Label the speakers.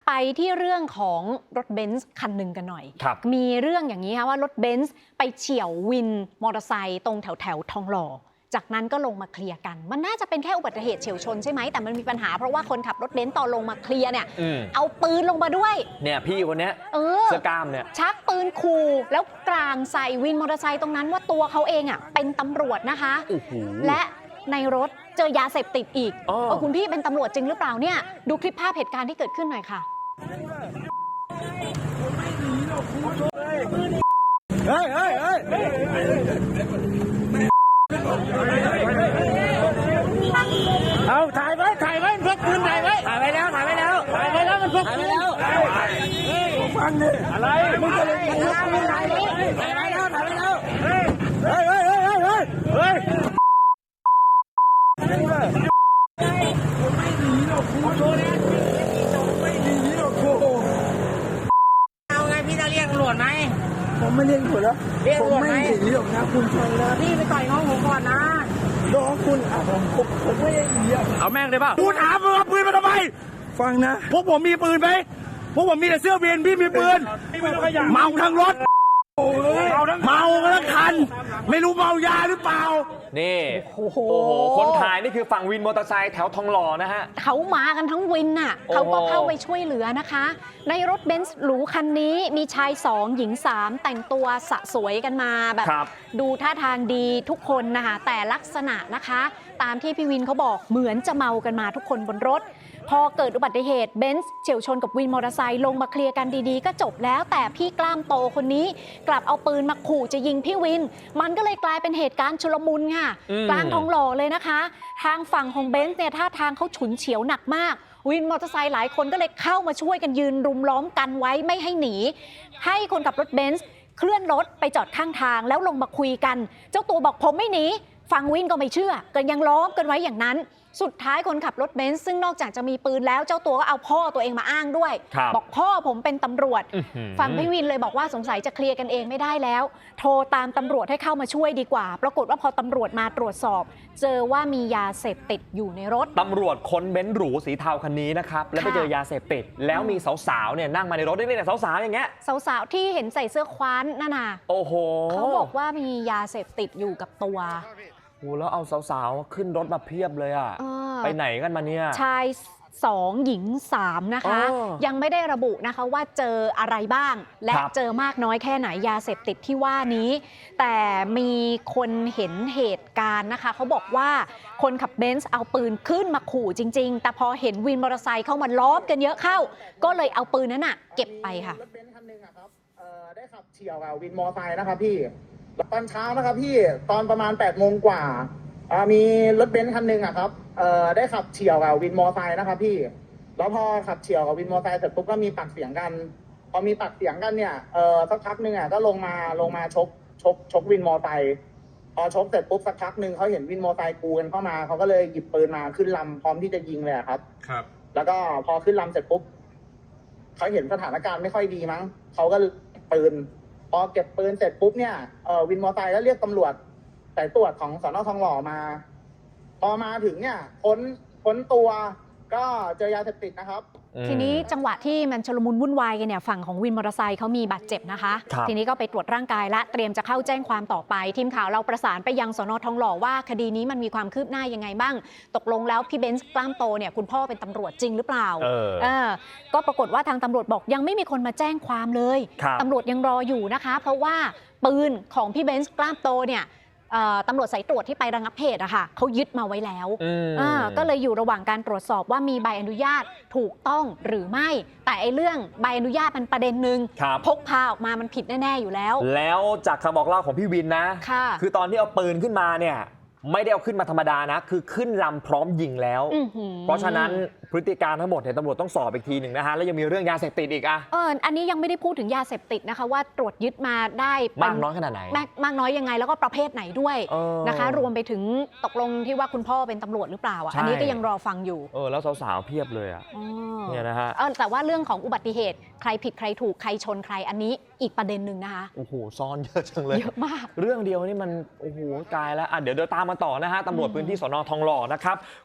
Speaker 1: ไปที่เรื่องของรถเบนซ์คันหนึ่งกันหน่อยมีเรื่องอย่างนี้ค่ะว่ารถเบนซ์ไปเฉี่ยววินมอเตอร์ไซค์ตรงแถวทองหล่อจากนั้นก็ลงมาเคลียร์กันมันน่าจะเป็นแค่อุบัติเหตุเฉี่ยวชนใช่ไหมแต่มันมีปัญหาเพราะว่าคนขับรถเบนซ์ตอนลงมาเคลียร์เนี่ยเอาปืนลงมาด้วย
Speaker 2: เนี่ยพี่คนนี้เสื้อกล้ามเนี่ย
Speaker 1: ชักปืนขู่แล้วกลางใส่วินมอเตอร์ไซค์ตรงนั้นว่าตัวเขาเองเป็นตำรวจนะคะและในรถเจอยาเสพติดอีกคุณพี่เป็นตำรวจจริงหรือเปล่าเนี่ยดูคลิปภาพเหตุการณ์ที่เกิดขึ้นหน่อยค่ะ
Speaker 3: เอาถ่ายไว้พกปืนถ่ายไว้แล้วมันพกปืนฟังดิอะไรมึงจะเล่นกันนะมึงถ่ายไว้แล้วเฮ้ยไม่หนีหรอกคุณโดนแน่ไม่หนีหรอกคุณเอาไงพี่จะเรียกตำรวจไหมผมไม่เรียกตำรวจแล้วผมไม่หนีหรอกนะคุณฟังนะพี่ไปต่อยน้องผมก่อนนะน้องคุณผมไม่ได้หนีเอาแม่งเลยป่ะกูถามมึงเอาปืนมาทำไมฟังนะพวกผมมีปืนไหมพวกผมมีแต่เสื้อเวียนพี่มีปืนเมาทั้งรถเมาทั้งคันไม่รู้เมายาหรือเปล่า
Speaker 2: นี่โอ้โหคนถ่ายนี่คือฝั่งวินมอเตอร์ไซค์แถวทองหล่อนะฮะ
Speaker 1: เขามากันทั้งวินน่ะเขาก็เข้าไปช่วยเหลือนะคะในรถเบนซ์หรูคันนี้มีชาย2หญิง3แต่งตัวสะสวยกันมาแบบดูท่าทางดีทุกคนนะคะแต่ลักษณะนะคะตามที่พี่วินเขาบอกเหมือนจะเมากันมาทุกคนบนรถพอเกิดอุบัติเหตุเบนซ์เฉี่ยวชนกับวินมอเตอร์ไซค์ลงมาเคลียร์กันดีๆก็จบแล้วแต่พี่กล้ามโตคนนี้กลับเอาปืนมาขู่จะยิงพี่วินมันก็เลยกลายเป็นเหตุการณ์ชุลมุนค่ะกลางทองหล่อเลยนะคะทางฝั่งของเบนซ์เนี่ยท่าทางเขาฉุนเฉียวหนักมากวินมอเตอร์ไซค์หลายคนก็เลยเข้ามาช่วยกันยืนรุมล้อมกันไว้ไม่ให้หนีให้คนขับรถเบนซ์เคลื่อนรถไปจอดข้างทางแล้วลงมาคุยกันเจ้าตัวบอกผมไม่หนีฝั่งวินก็ไม่เชื่อกันยังล้อมกันไว้อย่างนั้นสุดท้ายคนขับรถเบนซ์ซึ่งนอกจากจะมีปืนแล้วเจ้าตัวก็เอาพ่อตัวเองมาอ้างด้วยบอกพ่อผมเป็นตำรวจฝั่งพี่วินเลยบอกว่าสงสัยจะเคลียร์กันเองไม่ได้แล้วโทรตามตำรวจให้เข้ามาช่วยดีกว่าปรากฏว่าพอตำรวจมาตรวจสอบเจอว่ามียาเสพติดอยู่ในรถ
Speaker 2: ตำรวจค้นเบนซ์หรูสีเทาคันนี้นะครับแล้วไปเจอยาเสพติดแล้วมีสาวๆเนี่ยนั่งมาในรถได้เนี่ยสาวๆอย่างเงี้ย
Speaker 1: สาวๆที่เห็นใส่เสื้อคว้านนั่นน่ะ
Speaker 2: โอ้โห
Speaker 1: เขาบอกว่ามียาเสพติดอยู่กับตัว
Speaker 2: โอ้แล้วเอาสาวๆขึ้นรถมาเพียบเลยอ่ะไปไหนกันมาเนี่ย
Speaker 1: ชาย2หญิง3นะคะยังไม่ได้ระบุนะคะว่าเจออะไรบ้างและเจอมากน้อยแค่ไหนยาเสพติดที่ว่านี้แต่มีคนเห็นเหตุการณ์นะคะเขาบอกว่าคนขับเบนซ์เอาปืนขึ้นมาขู่จริงๆแต่พอเห็นวินมอเตอร์ไซค์เข้ามาล้อมกันเยอะเข้าก็เลยเอาปืนนั้นเก็บไปค่ะ
Speaker 4: รถเบนซ์คันนึงครับได้ขับเฉี่ยวกับวินมอเตอร์ไซค์นะครับพี่ตอนเช้านะครับพี่ตอนประมาณ8 โมงกว่ามีรถเบนซ์คันหนึ่งครับได้ขับเฉี่ยวกับวินมอเตอร์ไซค์นะครับพี่แล้วพอขับเฉี่ยวกับวินมอเตอร์ไซค์เสร็จปุ๊บก็มีปากเสียงกันพอมีปากเสียงกันเนี่ยสักพักหนึ่งก็ลงมาชกวินมอเตอร์ไซค์พอชกเสร็จปุ๊บสักพักหนึ่งเขาเห็นวินมอเตอร์ไซค์กูกันเข้ามาเขาก็เลยหยิบปืนมาขึ้นลำพร้อมที่จะยิงเลยครับแล้วก็พอขึ้นลำเสร็จปุ๊บเขาเห็นสถานการณ์ไม่ค่อยดีมั้งเขาก็ปืนพอเก็บปืนเสร็จปุ๊บเนี่ยวินมอเตอร์ไซค์ก็เรียกตำรวจสายตรวจของสน.ทองหล่อมาพอมาถึงเนี่ยค้นตัวก็เจอยาเสพติดนะครับ
Speaker 1: ทีนี้จังหวะที่มันชุลมุนวุ่นวายกันเนี่ยฝั่งของวินมอเตอร์ไซค์เขามีบาดเจ็บนะคะทีนี้ก็ไปตรวจร่างกายและเตรียมจะเข้าแจ้งความต่อไปทีมข่าวเราประสานไปยังสน.ทองหล่อว่าคดีนี้มันมีความคืบหน้ายังไงบ้างตกลงแล้วพี่เบนซ์กล้ามโตเนี่ยคุณพ่อเป็นตำรวจจริงหรือเปล่าก็ปรากฏว่าทางตำรวจบอกยังไม่มีคนมาแจ้งความเลยตำรวจยังรออยู่นะคะเพราะว่าปืนของพี่เบนซ์กล้ามโตเนี่ยตำรวจสายตรวจที่ไประงับเหตุเขายึดมาไว้แล้วก็เลยอยู่ระหว่างการตรวจสอบว่ามีใบอนุญาตถูกต้องหรือไม่แต่ไอ้เรื่องใบอนุญาตมันประเด็นหนึ่งพกพาออกมามันผิดแน่ๆอยู่แล้ว
Speaker 2: แล้วจากคำบอกเล่าของพี่วินนะคือตอนที่เอาปืนขึ้นมาเนี่ยไม่ได้เอาขึ้นมาธรรมดานะคือขึ้นลำพร้อมยิงแล้วเพราะฉะนั้นพฤติการทั้งหมดเนี่ยตำรวจต้องสอบอีกทีหนึ่งนะฮะแล้วยังมีเรื่องยาเสพติดอีก
Speaker 1: อันนี้ยังไม่ได้พูดถึงยาเสพติดนะคะว่าตรวจยึดมาได้
Speaker 2: มากน้อยขนาดไหน
Speaker 1: มากน้อยยังไงแล้วก็ประเภทไหนด้วยนะคะรวมไปถึงตกลงที่ว่าคุณพ่อเป็นตำรวจหรือเปล่าอันนี้ก็ยังรอฟังอยู่
Speaker 2: แล้วสาวๆเพียบเลยเนี่ยนะฮะ
Speaker 1: แต่ว่าเรื่องของอุบัติเหตุใครผิดใครถูกใครชนใครอันนี้อีกประเด็นหนึ่งนะคะ
Speaker 2: โอ้โหซ่อนเยอะจังเลย
Speaker 1: เยอะมาก
Speaker 2: เรื่องเดียวนี่มันโอ้โหกลายแล้วเดี๋ยวตามมาต่อนะฮะตำรวจพื้นที่สน.ทองหล่อนะครับ